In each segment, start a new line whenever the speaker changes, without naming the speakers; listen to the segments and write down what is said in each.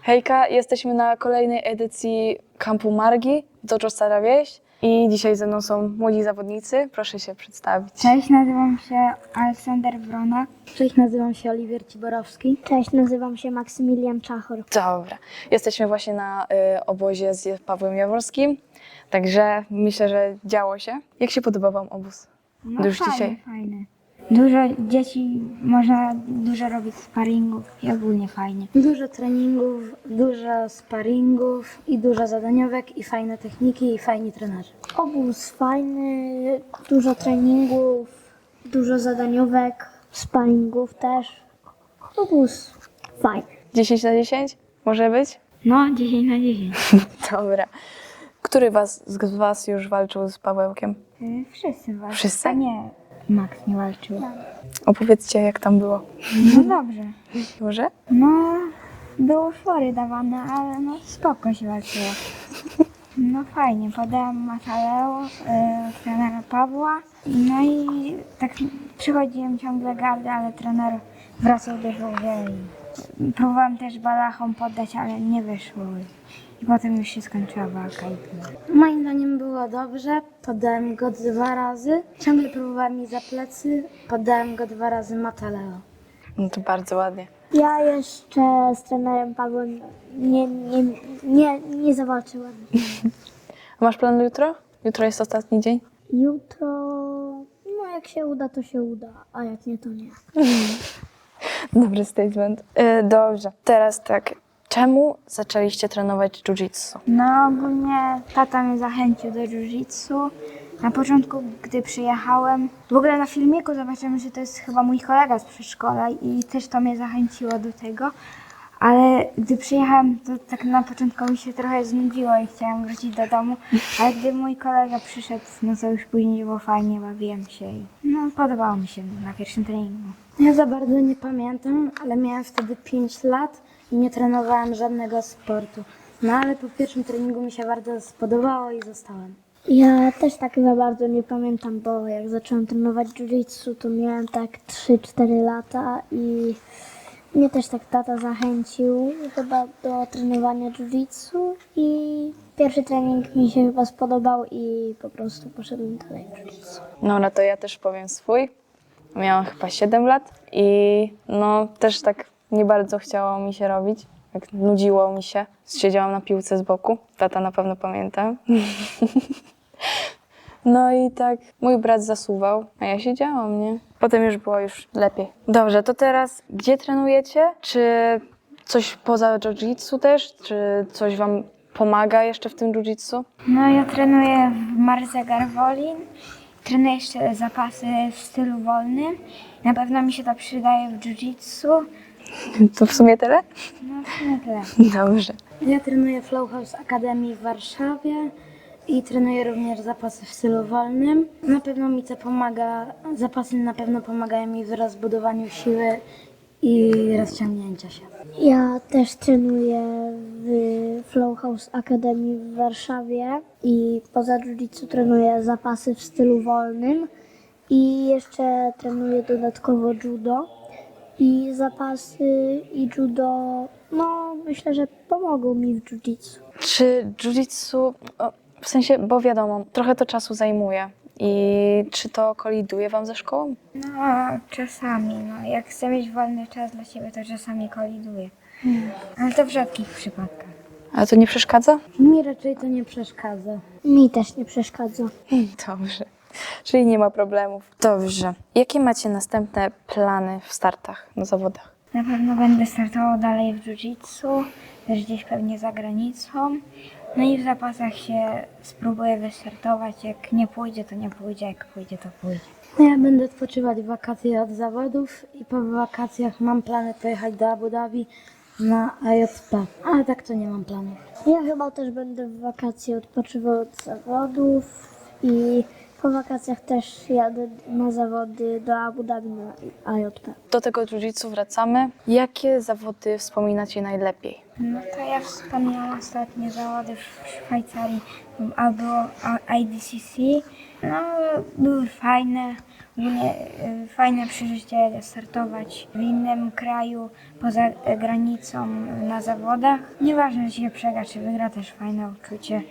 Hejka, jesteśmy na kolejnej edycji Kampu Margi, Dojo Stara Wieś i dzisiaj ze mną są młodzi zawodnicy. Proszę się przedstawić.
Cześć, nazywam się Aleksander Wrona.
Cześć, nazywam się Oliwier Ciborowski.
Cześć, nazywam się Maksymilian Czachor.
Dobra, jesteśmy właśnie na obozie z Pawłem Jaworskim, także myślę, że działo się. Jak się podoba Wam obóz?
No
Już
fajne,
dzisiaj.
fajne. Dużo dzieci, można dużo robić sparingów i ogólnie fajnie.
Dużo treningów, dużo sparingów i dużo zadaniówek i fajne techniki i fajni trenerzy.
Obóz fajny, dużo treningów, dużo zadaniówek, sparingów też. Obóz fajny.
10 na 10? Może być?
No, 10 na 10.
Dobra. Który z Was już walczył z Pawełkiem?
Wszyscy walczą.
Wszyscy?
A nie, Max nie walczył.
Opowiedzcie, jak tam było.
No dobrze.
Może?
No, było fory dawane, ale no spoko się walczyło. No fajnie, podałem Mataleo, trenera Pawła. No i tak przychodziłem ciągle gardę, ale trener wracał do żółwia i próbowałem też balachom poddać, ale nie wyszło. I potem już się skończyła walka i tyle.
Moim zdaniem było dobrze, podałem go 2 razy. Ciągle próbowałem mi za plecy, podałem go 2 razy Mataleo.
No to bardzo ładnie.
Ja jeszcze z trenerem Pawłem nie zawalczyłem.
A masz plan jutro? Jutro jest ostatni dzień?
Jutro, no jak się uda, to się uda, a jak nie, to nie.
Dobry statement. Dobrze, teraz tak. Czemu zaczęliście trenować jiu-jitsu?
No ogólnie tata mnie zachęcił do jiu-jitsu. Na początku, gdy przyjechałem, w ogóle na filmiku zobaczyłem, że to jest chyba mój kolega z przedszkola i też to mnie zachęciło do tego. Ale gdy przyjechałem, to tak na początku mi się trochę znudziło i chciałam wrócić do domu. Ale gdy mój kolega przyszedł, no to już później było fajnie, bawiłem się i no podobało mi się na pierwszym treningu.
Ja za bardzo nie pamiętam, ale miałem wtedy 5 lat i nie trenowałem żadnego sportu. No ale po pierwszym treningu mi się bardzo spodobało i zostałem.
Ja też tak za bardzo nie pamiętam, bo jak zacząłem trenować jiu-jitsu, to miałem tak 3-4 lata i mnie też tak tata zachęcił chyba do trenowania jiu-jitsu i pierwszy trening mi się chyba spodobał i po prostu poszedłem dalej w jiu-jitsu.
No to ja też powiem swój. Miałam chyba 7 lat i no też tak nie bardzo chciało mi się robić. Tak nudziło mi się. Siedziałam na piłce z boku. Tata na pewno pamięta. No i tak mój brat zasuwał, a ja siedziałam, nie? Potem już było lepiej. Dobrze, to teraz gdzie trenujecie? Czy coś poza jiu-jitsu też? Czy coś wam pomaga jeszcze w tym jiu-jitsu?
No ja trenuję w Marze Garwolin. Trenuję jeszcze zapasy w stylu wolnym. Na pewno mi się to przydaje w jiu-jitsu.
To w sumie tyle?
No w sumie tyle.
Dobrze.
Ja trenuję w Flow House Academy w Warszawie i trenuję również zapasy w stylu wolnym. Na pewno mi to pomaga, zapasy na pewno pomagają mi w rozbudowaniu siły i rozciągnięcia się.
Ja też trenuję w Flow House Academy w Warszawie i poza jiu-jitsu trenuję zapasy w stylu wolnym i jeszcze trenuję dodatkowo judo. I zapasy i judo, no myślę, że pomogą mi w jiu-jitsu.
Czy jiu-jitsu, w sensie, bo wiadomo, trochę to czasu zajmuje i czy to koliduje wam ze szkołą?
No czasami, no jak chcę mieć wolny czas dla siebie, to czasami koliduje. Ale to w rzadkich przypadkach.
Ale to nie przeszkadza?
Mi raczej to nie przeszkadza.
Mi też nie przeszkadza.
Dobrze. Czyli nie ma problemów. Dobrze. Jakie macie następne plany w startach na zawodach?
Na pewno będę startował dalej w jiu-jitsu, też gdzieś pewnie za granicą. No i w zapasach się spróbuję wystartować. Jak nie pójdzie, to nie pójdzie, jak pójdzie, to pójdzie.
No ja będę odpoczywać w wakacje od zawodów i po wakacjach mam plany pojechać do Abu Dhabi na AJP, ale tak to nie mam planów.
Ja chyba też będę w wakacje odpoczywał od zawodów i po wakacjach też jadę na zawody do Abu Dhabi na AJP.
Do tego jiu-jitsu wracamy. Jakie zawody wspominacie najlepiej?
No to ja wspomniałam ostatnie zawody w Szwajcarii, albo IDCC No, były fajne. Ogólnie fajne przeżycie startować w innym kraju, poza granicą na zawodach. Nieważne, czy się przegra, czy wygra, też fajne uczucie.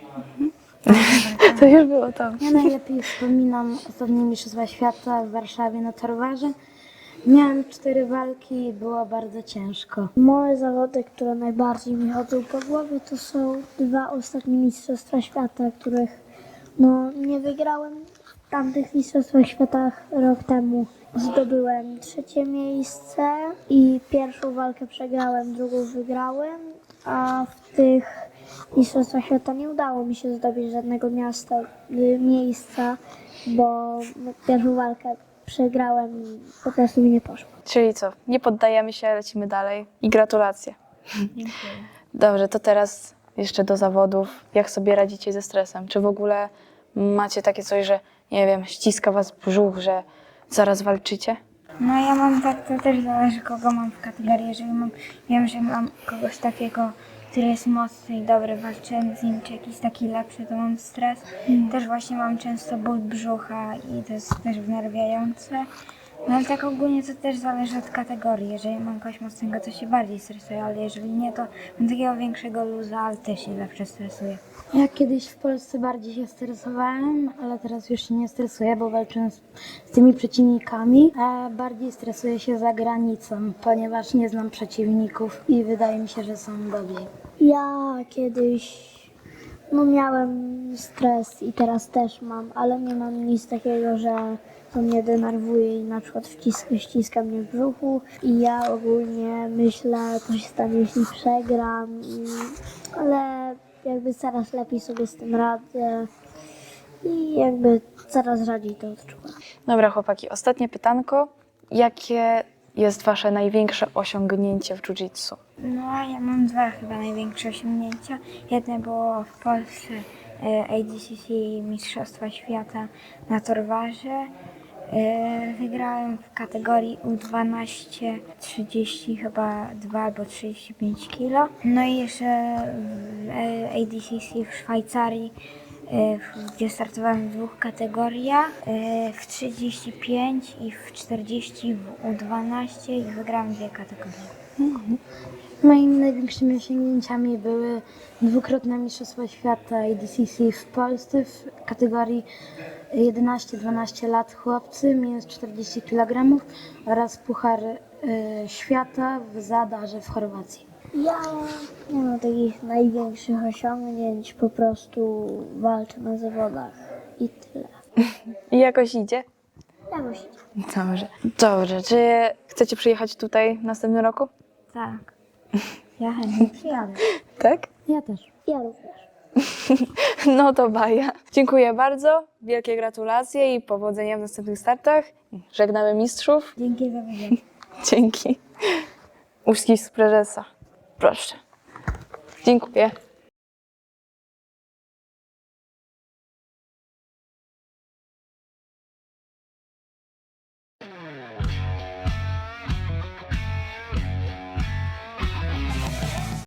To już było to.
Ja najlepiej wspominam ostatnie Mistrzostwa Świata w Warszawie na Torwarze. Miałem 4 walki i było bardzo ciężko.
Moje zawody, które najbardziej mi chodzą po głowie, to są 2 ostatnie Mistrzostwa Świata, których nie wygrałem. W tamtych Mistrzostwach Świata rok temu zdobyłem 3. miejsce i pierwszą walkę przegrałem, drugą wygrałem, a w tych Mistrzostwach Świata nie udało mi się zdobyć żadnego miejsca, bo pierwszą walkę przegrałem i po prostu mi nie poszło.
Czyli co? Nie poddajemy się, lecimy dalej. I gratulacje. Dobrze, to teraz jeszcze do zawodów. Jak sobie radzicie ze stresem? Czy w ogóle macie takie coś, że nie wiem, ściska was brzuch, że zaraz walczycie?
No ja mam tak, to też zależy kogo mam w kategorii. Jeżeli wiem, że mam kogoś takiego, który jest mocny i dobry, walczyłem z nim, czy jakiś taki lepszy, to mam stres. Też właśnie mam często ból brzucha i to jest też wnerwiające. No ale tak ogólnie to też zależy od kategorii. Jeżeli mam kogoś mocnego, to się bardziej stresuję, ale jeżeli nie, to mam takiego większego luza, ale też się zawsze stresuję.
Ja kiedyś w Polsce bardziej się stresowałem, ale teraz już się nie stresuję, bo walczę z tymi przeciwnikami, a bardziej stresuję się za granicą, ponieważ nie znam przeciwników i wydaje mi się, że są dobrzy.
Ja kiedyś miałem stres i teraz też mam, ale nie mam nic takiego, że to mnie denerwuje i na przykład ściska mnie w brzuchu i ja ogólnie myślę, co się stanie, jeśli przegram, ale jakby coraz lepiej sobie z tym radzę i jakby coraz rzadziej to odczuwam.
Dobra, chłopaki, ostatnie pytanko. Jakie jest wasze największe osiągnięcie w jiu-jitsu?
No ja mam 2 chyba największe osiągnięcia. Jedno było w Polsce ADCC Mistrzostwa Świata na Torwarze. Wygrałem w kategorii U12 30 chyba 2 albo 35 kg. No i jeszcze w ADCC w Szwajcarii, gdzie startowałem w 2 kategoriach, w 35 i w 40 w U12 i wygrałem 2 kategorie.
Moimi największymi osiągnięciami były 2-krotne Mistrzostwa Świata ADCC w Polsce w kategorii 11-12 lat chłopcy, minus 40 kg oraz Puchar Świata w Zadarze w Chorwacji.
Ja nie mam takich największych osiągnięć, po prostu walczę na zawodach i tyle.
I jakoś idzie?
Jakoś idzie.
Dobrze. Dobrze, czy chcecie przyjechać tutaj w następnym roku?
Tak. Ja chętnie przyjadę.
Tak?
Ja też.
Ja również.
No to baja. Dziękuję bardzo, wielkie gratulacje i powodzenia w następnych startach. Żegnamy mistrzów.
Dzięki za wywiad.
Dzięki. Uścisk prezesa. Proszę. Dziękuję.